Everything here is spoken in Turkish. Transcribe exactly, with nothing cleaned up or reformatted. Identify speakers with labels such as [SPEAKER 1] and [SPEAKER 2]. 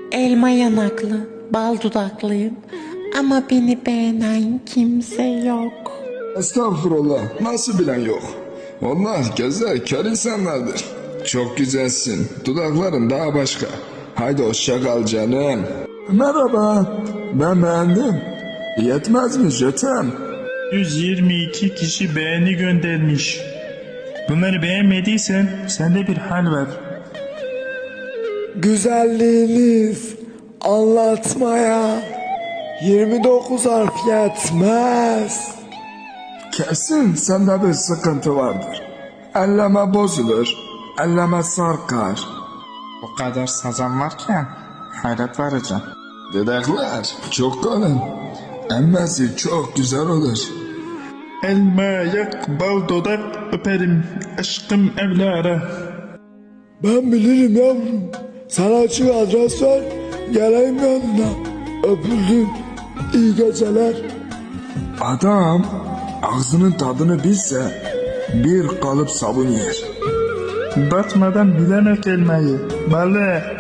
[SPEAKER 1] Elma yanaklı, bal dudaklıyım. Ama beni beğenen kimse yok.
[SPEAKER 2] Estağfurullah, nasıl bilen yok. Onlar güzel, kör insanlardır. Çok güzelsin, dudakların daha başka. Haydi hoşça kal canım. Merhaba, ben beğendim. Yetmez mi Jötem?
[SPEAKER 3] yüz yirmi iki kişi beğeni göndermiş. Bunları beğenmediysen sende bir hal var.
[SPEAKER 4] Güzelliğiniz anlatmaya yirmi dokuz harf yetmez.
[SPEAKER 2] Kesin sende bir sıkıntı vardır. Elleme bozulur, elleme sarkar.
[SPEAKER 5] Bu kadar sazan varken hayret verici.
[SPEAKER 2] Dedekler çok kalın. Emmesi çok güzel olur.
[SPEAKER 3] Elma yak bal dudak öperim aşkım evlara.
[SPEAKER 4] Ben bilirim yavrum. Sana açık adres ver. Geleyim yanına. Öpüldün. İyi geceler.
[SPEAKER 2] Adam ağzının tadını bilse bir kalıp sabun yer.
[SPEAKER 3] Batmadan bilemek elmayı. Balı.